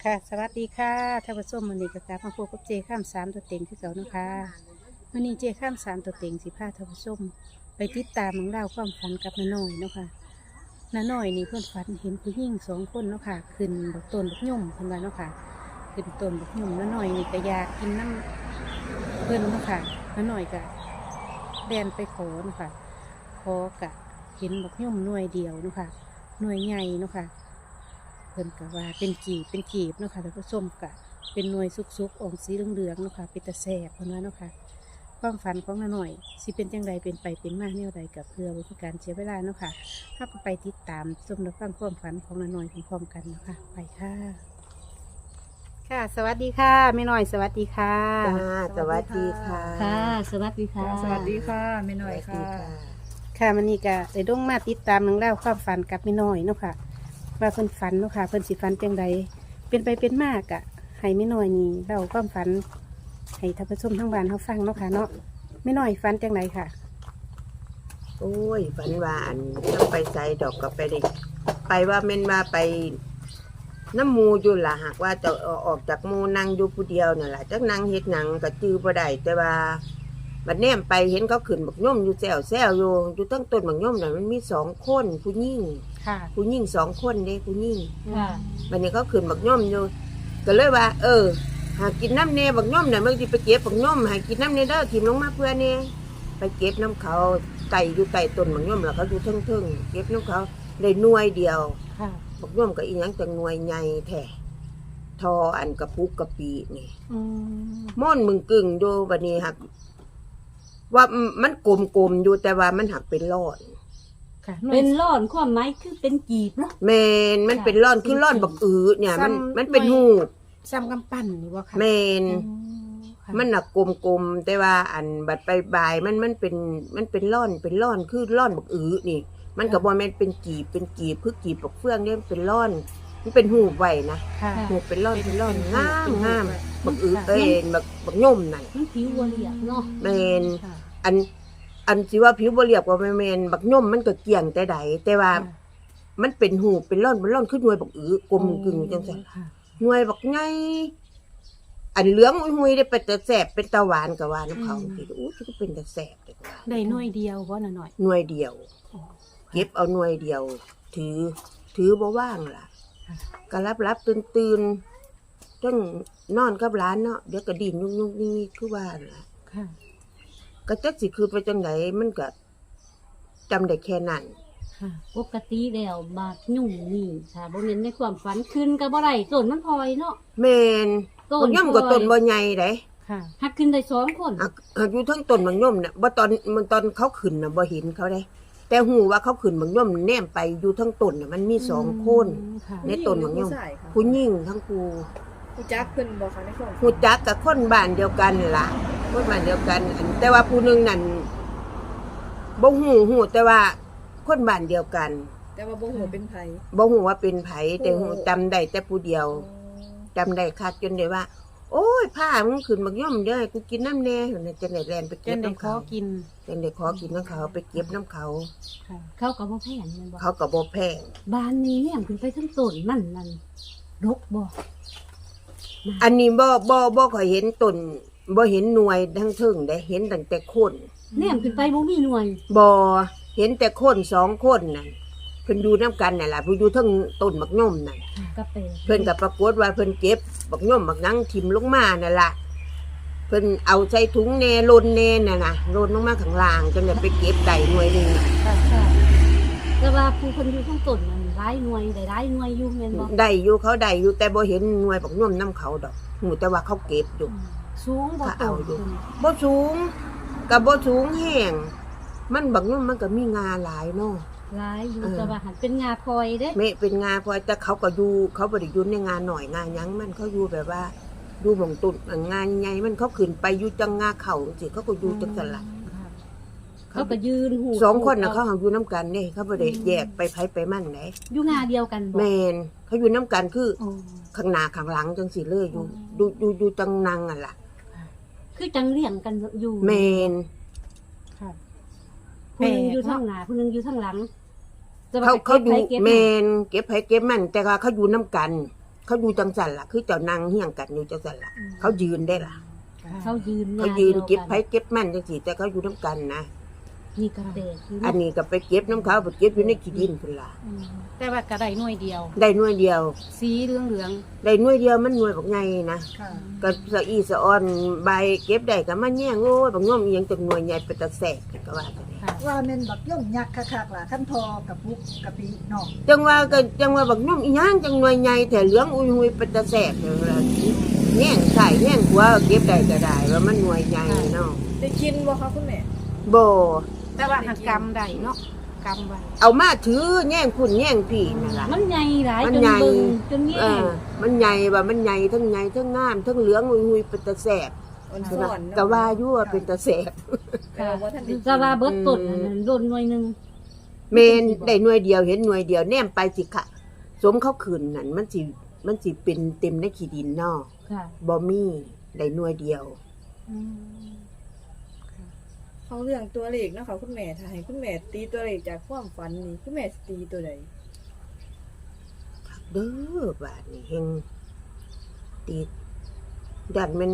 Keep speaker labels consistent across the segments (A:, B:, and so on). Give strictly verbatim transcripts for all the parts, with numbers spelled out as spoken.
A: ค่ะสวัสดีค่ะท่านผู้ชมวันนี้ก็กลับมาพบกับเจข้ามสามตัวเต็งที่เก่านะคะวันนี้เจข้ามสามตัวเต็งสิพาท่านผู้ชมไปติดตามของเราวความฝันกับน้าน้อยเนาะค่ะน้าน้อยนี่เพื่อนฝันเห็นผู้หญิงสองคนเนาะค่ะขึ้นบกต้นบกย่อมเพิ่นว่าเนาะค่ะขึ้นต้นบกย่อมน้าน้อยนี่ก็อยากกินน้ำเพิ่นเนาะค่ะน้าน้อยก็แดนไปขอเนาะค่ะขอกะเห็นบกย่อมหน่วยเดียวเนาะค่ะหน่วยใหญ่เนาะค่ะ เพิ่นก็ว่าเป็นกีบเป็นกีบเนาะค่ะท่านผู้ชมกะเป็นหน่วยซุกๆออกสีเหลืองๆเนาะค่ะเป็นตะแสบเพิ่นว่าเนาะค่ะความฝันของน้าหน่อยสิเป็นจังใดเป็นไปเป็นมาแนวใดกับเพื่อวิธีการเสียเวลาเนาะค่ะถ้าก็ไปติดตามชมและฟังความฝันของน้าหน่อยพร้อมๆกันเนาะค่ะไปค่ะ ค่ะ สวัสดีค่ะแม่น้อยสวัสดีค่ะ
B: จ้าสวัสดีค่ะ
C: ค่ะ สวัสดีค่ะ
D: สวัสดีค่ะแม่หน่อย
B: สวัส
D: ค่ะ
B: ดีค่ะ
A: ค่ะมันนี่ก็ได้ต้องมาติดตามเรื่องเล่าวความฝันกับแม่น้อยเนาะค่ะว่าเพิ่นฝันเนาะค่ะเพิ่นสิฝันจังใดเป็นไปเป็นมากอะให้แม่น้อยนี่เล่าความฝันให้ท่านผู้ชมทั้งบ้านเขาฟังเนาะค่ะเนาะแม่น้อยฝันจังใดค่ะ
B: โอ้ยฝันว่าอันต้องไปใส่ดอกกับไปได้ไปว่าเม่นว่าไปน้ำหมูอยู่ล่ะหากว่าจะเอาออกจากหมูนั่งอยู่ผู้เดียวนี่นแหละจักนั่งเฮ็ดหนังก็จื้อบ่ได้แต่ว่าบัดแนมไปเห็นเขาขึ้นบักย่อมอยู่แซวแซวอยู่อยู่ตั้งต้นบักย่อมน่ะมันมีสองคนผู้หญิง
A: ค่ะ
B: ผู้หญิงสองคนเด้ผู้หญิง
C: ค่ะ
B: บัดนี้เขาขึ้นบักย่อมอยู่ก็เลยว่า เออ หากินน้ำเนบักย่อมน่ะมึงสิไปเก็บบักย่อมหากินน้ำเนเด้อถิ่มลงมาเพื่อเนไปเก็บน้ำเขาไต่อยู่ไต่ต้นบักย่อมแล้วเขาอยู่เทิงๆเก็บน้ำเขาได้หน่วยเดียว
A: ค่ะ
B: บักย่อมก็อีหยังจังหน่วยใหญ่แท้ทออันกระปุกกระปีนี่
A: อืม
B: ม่อนมึงกึ่งดูบัดนี้หักว่ามันกลมๆอยู่แต่ว่ามันหักเป็นรอด
A: ค่ะ
C: เป็นร่อนความหมายคือเป็นกีบเนาะ
B: แมนมันเป็นร่อนคือร่อนบักอือเนี่ย มันมันเป็นหูด
A: ซ้ำกำปั้นนี่บ่ค่ะ
B: แมน
A: อืค่ะ
B: มันหนักกลมๆแต่ว่าอันบัดไปบายมันมันเป็นมันเป็นร่อนเป็นร่อนคือร่อนบักอือนี่ มันกับบอลแมนเป็นกีบเป็นกีบคือกีบบักเฟืองเนี่ยมันเป็นร่อนมันเป็นหูไว้นะ
A: ค่ะ
B: หูเป็นร่อนเป็นร่อนงามงามบักอือ
A: ค่ะ
B: เอ้ยบักบักย่อมนั่น
C: มันผิววัวเหลียบเนาะ
B: แมน
A: ค่ะ
B: อันอันสิว่าผิวบ่เรียบกว่าแมนบักย่อมมันก็เกี่ยงแต่ใดแต่ว่ามันเป็นหูเป็นร่อนเป็นร่อนคือหน่วยบักอือกลมกึ่งจังซั่น
A: ค่ะ
B: หน่วยบักไงอันเหลืองหุยๆได้เป็นตะแสบเป็นตะหวานกับหวานน้ำเขาคิดอู้ที่ก็เป็นตะแสบเลยว่า
A: ได้หน่วยเดียวบ่น่ะหน่อย
B: หน่วยเดียว
A: อ๋อ
B: เก็บเอาหน่วยเดียว ถือ ถือบ่ว่างล่ะ
A: ค่ะ
B: ก็รับรับตื่นตื่นจนนอนกับร้านเนาะเดี๋ยวก็ดินยุกยุกนี่คือว่าล่ะ
A: ค่ะ
B: ก็จักสิคือไปจังไหนมันก็จำได้แค่นั้น
A: ค่ะ
C: ปกติแล้วบาดยุ่งนี่ค่ะบ่แม่นในความฝันขึ้นก็บ่ได้ต้นมันพลอยเนาะ
B: แมน
C: ต้
B: มันย่อมกับต้นบ่ใหญ่เด้
A: ค่ะ
C: หักขึ้นได้สองคน
B: อ่ะอ่ะอยู่ทั้งต้นมันย่อมน่ะบ่ตอนมันตอนเขาขึ้นน่ะบ่เห็นเขาเด้ แต่หูว่าเขาขึ้นมันย่อมแนมไปอยู่ทั้งต้นน่ะมันมีสองคน
A: ค่ะ
B: ในต้นมันย่อม
D: ผู้ชายค่ะ
B: ผู้หญิงทั้งคู่
D: ผู้จักเพิ่นบอกค่ะในความ
B: หูจักกับคนบ้านเดียวกันนั่นล่ะคนบ้านเดียวกันอันแต่ว่าผู้หนึงนั่นบ่ฮู้ฮู้แต่ว่าคนบ้านเดียวกัน
D: แต่ว่าบ่ฮู้ว่าเป็นไผ
B: บ่ฮู้ว่าเป็นไผแต่ฮู้จำได้แต่ผู้เดียวจำได้คักจนได้ว่า โอ้ยผ้ามึงขึ้นบักย่อมเด้อให้กูกินน้ำแน่หั่นน่ะจังได๋แลนไป
A: จ
B: เก็บ
A: นได้
B: น้ำ
A: ขอ
B: เขา
A: กิน
B: จังได้ขอกินน้ำเขาไปเก็บน้ำเขา
A: ค่ะ
C: เขาก็บ่แพงแม่นบ่
B: เขาก็บ่แพง
C: บ้านนี้เนี่ยขึ้นไปทั้งต้นมันนั่นรกบ่
B: อันนี้บ่บ่บ่ค่อยเห็นต้นบ่เห็นหน่วยทั้งเทึงได้เห็นตั้งแต่คน
C: แนมขึ้นไปบ่มีหน่วย
B: บ่เห็นแต่คนสองคนนั่นเพิ่นอยู่นํกันนั่นล่ะเพิ่นอยู่เทั้งต้นบักย่อมนั่น
C: ก็เป็น
B: เพิ่นก็ปรากฏว่าเพิ่นเก็บบักย่อมบักนังทิ่มลงมานั่นล่ะเพิ่นเอาใส่ถุงแน่ลนแน่น่ะนะลนลงมาข้างล่างจนได้ไปเก็บได้หน่วยหนึงน่ะ
A: ค่ะ
C: ค่ะแต่ว่าผู้คนอยู่ทั้งต้นนั่นหลายหน่วยได้หลายหน่วยอยู่แม่นบ่
B: ได้อยู่เขาได้อยู่แต่บ่เห็นหน่วยบักย่อมนํเขาดอกหูแต่ว่าเขาเก็บอยู่
C: สูงบ่
B: ถ้า
C: ต้
B: เอา
C: น
B: อยู่
C: ต้น
B: บ่สูงกับบ่สูงแห้งมันบักย่อมมันก็มีงาหลายเนาะ
C: หลายอยู่
B: เออ
C: แต่ว่าหันเป็นงาพลอยเด้
B: แม่เป็นงาพอแต่เขาก็อยู่เขาบ่ได้อยู่ในงานหน่อยงานหยังมันเขาอยู่แบบว่าอยู่หม่องตุนงานใหญ่มันเขาขึ้นไปอยู่จังงาเขาจังซี่เขาก็อยู่จังซั่นล่ะ
A: ค่ะ
C: เขาก็ยืนหู
B: สองคนน่ะเขาหังอยู่นํกันเด้เขาบ่ได้แยกไปไผไปมันไหน
C: อยู่งาเดียวกันบ่
B: แม่นเขาอยู่นํกันคือ
A: โอ้
B: ข้างหน้าข้างหลังจังซี่เลยอยู่อยู่อยู่อยู่จังนังอ่ะล่ะ
C: คือจังเลี้ยงกันอยู่
B: แม่น
A: ค่ะ
C: ผู้หนึงอยู่ทางหน้าผู้หนึงอยู่ทางหลังแต่ว่
B: เขาเขาอยู่
C: ก็บไปก็บ
B: แม่นเก็บไผเก็บมันแต่ว่าเขาอยู่นํกันเขาอยู่จังสันล่ะคือเจ้านางเฮี้ยงกันอยู่จังสันล่ะเขายืนได้ล่ะ
C: เขายืน
B: เขายืนเก็บไผเก็บมันจังซี่แต่เขาอยู่นํกันนะ
C: นี่ก็แปลกอยู่
B: อันนี้ก็ไปเก็บน้ำเขาไปเก็บอยู่ในขี้ดินพุ่นล่ะ
A: อืมแต่ว่าก็ได้หน่วยเดียว
B: ได้หน่วยเดียว
A: สีเหลืองเหลือง
B: ได้หน่วยเดียวมันหน่วยบักใหญ่นะ
D: ค่ะ
B: ก็สะอีสะออนใบเก็บได้ก็มาแย่งโอ้ยบักย่อมอีหยังจังหน่วยใหญ่เป็นตะแสกก็ว่าจังได๋
A: ๆค่ะ
E: ว่าแม่นบักย่อมยักษ์คักๆล่ะขั้นพอกับปุกกะปิเนาะ
B: จังว่าก็จังว่าบักย่อมอีหยังจังหน่วยใหญ่แต่เหลืองอุ้ยหุยเป็นตะแสกจังว่าแย่งใส่แย่งหัวเก็บได้ก็ได้ว่ามันหน่วยใหญ่เนาะ
D: ได้กินบ่คะคุณแม่
B: บ่
A: แต่ว่าหักกำได้เนาะกำไว้
B: เอามาถือแย่งพุ่นแย่งพี่นั่นล่ะ
C: มันใหญ่หลาย
B: มัน
C: จน
B: ใหญ่
C: เบิ่งจนแย่
B: เออมันใหญ่ว่ามันใหญ่ทั้งใหญ่ทั้งงามทั้งเหลืองอุ้ยหุยเป็นตะแสก
D: อ่อนสอนเนาะ
B: ก็ว่าอยู่ว่าเป็นตะแสก
D: เออบ่ทันได้กิน
C: ก็ว่าเบิดต้นนั่นน่ะโดนหน่วยหนึง
B: เมนได้หน่วยเดียวเห็นหน่วยเดียวแนมไปสิค่ะสมเขาขืนนั่นมันสิมันสิเป็นเต็มในขี้ดินเนาะ
C: ค่ะ
B: บ่มีได้หน่วยเดียว
A: อืม
D: เขาเรื่องตัวเลขเนาะค่ะคุณแม่ถ้าให้คุณแม่ตีตัวเลขจากความฝันนี่คุณแม่สิตีตัวใด
B: เด้อบาดนี่เฮงติดดันมัน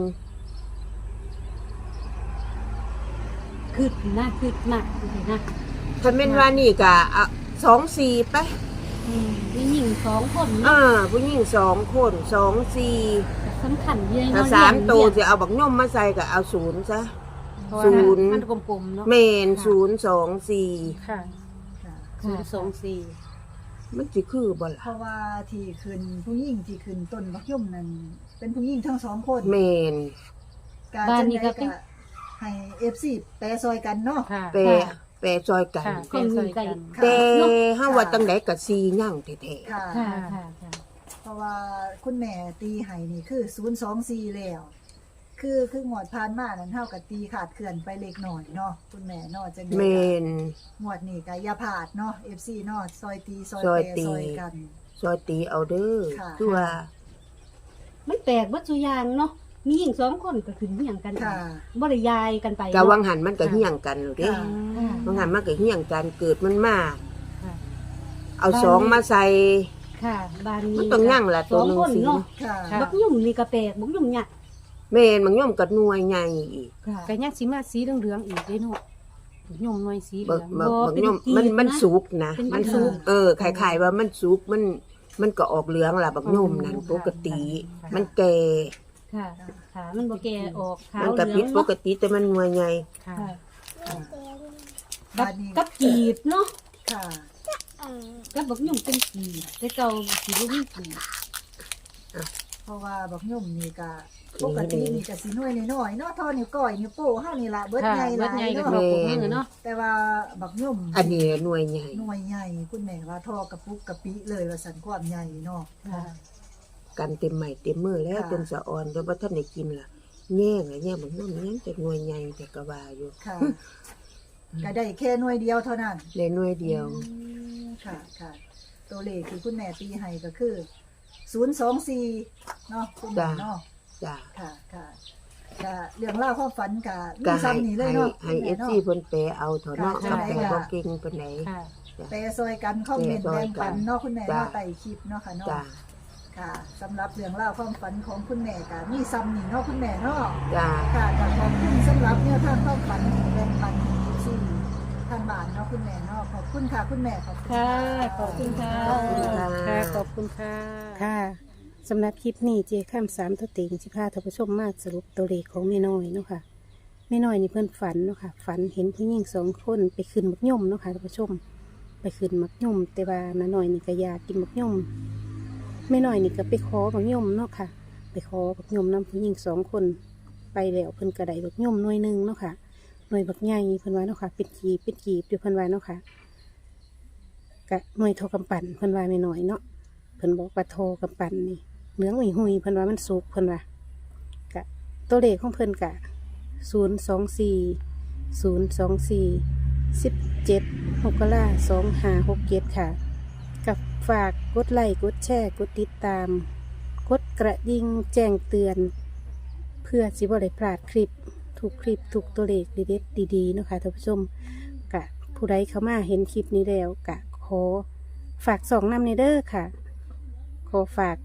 C: คืดนะคืดมากนะ
B: ถ้าแม่นว่านี่ก็อ่ะสองสี่ไป
C: อืมมีหญิงสองคน
B: อ่า
C: เนาะ
B: ผู้หญิงสองคนสองสี่
C: สำคัญเลย
B: ถ้า
C: เนาะ
B: สาม
C: เลี้ยง
B: ตัว
C: เลี้ยง
B: จะเอาบักย่อมมาใส่ก็เอาศูนย์ซะ
A: เพราะว่า
B: ศูนย์
A: มันกลมๆเนาะ
B: เมนศูนย์สองสี่
A: ค่ะ
E: ค่ะ
A: ศูนย์สองสี่
B: มันสิคือบ่
E: เพ
B: ล่ะ
E: ราะว่าที่ขึ้นผู้หญิงที่ขึ้นต้นบักย่อมนั่นเป็นผู้หญิงทั้งสองคน
B: เมน
E: การ
C: บ้าน
E: จัง
C: นี้
E: ได
C: ก็เป็น
E: ก็ให้ เอฟ ซี แปรซอยกันเนาะ
A: ค่ะ
B: แปรแปรซอยกัน
A: ค่ะ
C: คนมีไก่
E: ค่ะ
B: แต่เฮาว่าจังไดก็ซีย่างแท้
E: ค่ะ
C: ค่ะค่ะค่ะ
E: เพราะว่าคุณแม่ตีให้นี่คือศูนย์สองสี่แล้ว คือคืองวดผ่านมานั้นเท่ากับตีขาดเขื่อนไปเล็กหน่อยเนาะคุณแม่เนาะจัง
B: ๆ
E: ได๋
B: เม
E: ก็
B: น
E: งวดนี้ก็อย่าพลาดเนาะ เอฟ ซี เนาะซอยตีซอย
B: ซอย
E: แปร
B: ตี
E: ซอยกัน
B: ซอยตีเอาเด้อ
E: ค่ะ
B: คือว่า
C: มันแปลกวัตถุยางเนาะมีหญิงสองคนก็ขึ้นเหี่ยงกัน
E: ค่ะ
C: บ่ได้ยายกันไป
B: กะวัง
C: เนาะ
B: หันมันก็เฮี้ยงกันอยู่เด้
E: ค่ะ
C: ค่ะ
B: วังหันมันก็เฮี้ยงกันเกิดมันมา
A: ค่ะ
B: เอาสองมาใส่
C: ค่ะบ้านนี้
B: มันต้องย่างละตัวหนึ่ง
C: สอคน
B: สิ
C: เนาะ
E: ค่ะ
A: ค่ะ
C: บักยุ่มนี่ก็แปลกบักยุ่มหยัก
B: แมนมันย่อมกับหน่วยใหญ่อีก
C: ค่ะ
A: ก็ยังสิมาสีเหลืองๆอีกเด้เนาะยมหน่วยสีเหลื
B: บั
A: อก ง
B: บัก
C: บ่
B: บัก
C: เป็น
B: ย่อม
C: กีบ
B: มันมัน
C: นะ
B: สุกนะ
C: เป็น
B: มัน
C: กีบ
B: สุกเออคล้ายๆว่ามันสุกมันมันก็ออกเหลืองล่ะบักย่อมนั่นปกติ มันแก่
C: ค่ะค่ะมันบ่แก่ออกขาว
B: มัน
C: เห
B: ก็
C: ลื
B: ผิ
C: อ
B: ด
C: ง
B: ป
C: เนาะ
B: กติแต่มันหน่วยใหญ่
A: ค่ะ
C: ค่ะ
E: ค่ะ
C: กั
E: บ้า
C: บ
E: นนี้
C: กับกีบเนาะ
E: ค่ะ
C: กับบักยุ่มเป็นกีบแต่เก่าสิบ่มีกีบ
E: เพราะว่าบักย่อมนี่ก็ปกตินี่ก็สิน้อยน้อยๆเนาะเท่อนิ้วก้อยนิ้วโป้เฮานี่ล่ะเบิด
A: ค่ะ
E: ใหญ่ห
A: เบิ
E: ลา
A: ดใหญ่
E: ย
A: ก็
E: เนาะ
A: บอกผมมือเนาะ
E: แต่ว่าบักย่อม
B: อันนี้หน่วยใหญ่
E: หน่วยใหญ่คุณแม่ว่าท่อกระปุกกระปิเลยว่าสันความใหญ่เนาะ
C: ค่ะ
B: กันเต็มใหม่เต็มมือแล้ว
E: ค่ะ
B: จนสะอ่อนจนว่าท่านได้กินล่ะแย่งอะแย่งบักย่อมยังจะหน่วยใหญ่แต่ก็ว่าอยู่
E: ค่ะก็ได้แค่หน่วยเดียวเท่านั้น
B: ได้หน่วยเดียว
E: อืมค่ะค่ะตัวเลขที่คุณแม่ตีให้ก็คือศูนย์สองสี่เนาะคุณแม่เนาะ
B: จ้ะ
E: ค่ะค่ะค่ะเรื่องเล่าวความฝันกับ
B: ก็
E: มี
B: ให้
E: ซ้ำนี่เลย
B: ให้
E: เนาะ
B: ให้
E: คุณ
B: เอ
E: แม่
B: ฟ
E: เนาะ
B: ซีเพิ่นแปลเอาเถอะเนาะ
E: ค่ะ
B: กับแปลบ่เก่งปานไหน
A: ค่ะ
E: แปรซอยกันคอมเมนต์
B: แปรซ
E: แบ่
B: อย
E: ง
B: กัน
E: ปันเนาะคุณแม่เนาะ
B: จ้ะ
E: ไต่คลิปเนาะค่ะเนาะ
B: จ้ะ
E: ค่ะสำหรับเรื่องเล่าวความฝันของคุณแม่กับมีซ้ำนี่เนาะคุณแม่เนาะ
B: จ้ะ
E: ค่ะก็ขอบคุณสำหรับแนวทางความฝันที่แบ่งปันที่ทางบ้านเนาะคุณแม่เนาะขอบคุณค่ะคุณแม่ขอบคุณ
C: ค่ะขอบคุณค่ะ
B: ขอบคุณค่ะ
A: ค่ะขอบคุณค่ะ ค่ะสำหรับคลิปนี้เจข้ามสามตัวเต็งสิพาท่านผู้ชมมาสรุปตัวเลขของแม่น้อยเนาะค่ะแม่น้อยนี่เพิ่นฝันเนาะค่ะฝันเห็นผู้หญิงสองคนไปขึ้นมักย่อมเนาะค่ะท่านผู้ชม ไปขึ้นมักย่อมแต่ว่าน้าน้อยนี่ก็อยากกินมักย่อมแม่น้อยนี่ก็ไปขอมักย่อมเนาะค่ะ ไปขอมักย่อมนำผู้หญิงสองคนไปแล้วเพิ่นก็ได้มักย่อมหน่วยหนึ่งเนาะค่ะหน่วยบักใหญ่เพิ่นว่าเนาะค่ะเป็นกีบเป็นกีบอยู่เพิ่นว่าเนาะค่ะกะหน่วยโทกำปั่นเพิ่นว่าแม่น้อยเนาะเพิ่นบอกว่าโทกำปั่นนี่เหลืองหุยหุยๆเพิ่นว่ามันสุกเพิ่นว่ากะตัวเลขของเพิ่นกะศูนย์สองสี่ศูนย์สองสี่สิบเจ็ดหกกะลาสองห้าหกเจ็ดค่ะ กับฝากกดไลค์กดแชร์กดติดตาม กดกระดิ่งแจ้งเตือน เพื่อสิบ่ได้พลาดคลิปถูกคลิปถูกตัวเลขเด็ดๆดีๆเนาะค่ะท่านผู้ชมกะผู้ใดเข้ามาเห็นคลิปนี้แล้วกะขอฝากสองนำในเด้อค่ะ ขอฝาก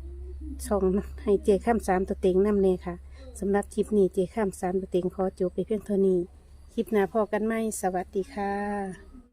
A: ช่องให้เจข้ามสามตัวเต็งนำเน่ค่ะสำหรับคลิปนี้เจข้ามสามตัวเต็งขอจบไปเพียงเท่านี้คลิปหน้าพอกันไหมสวัสดีค่ะ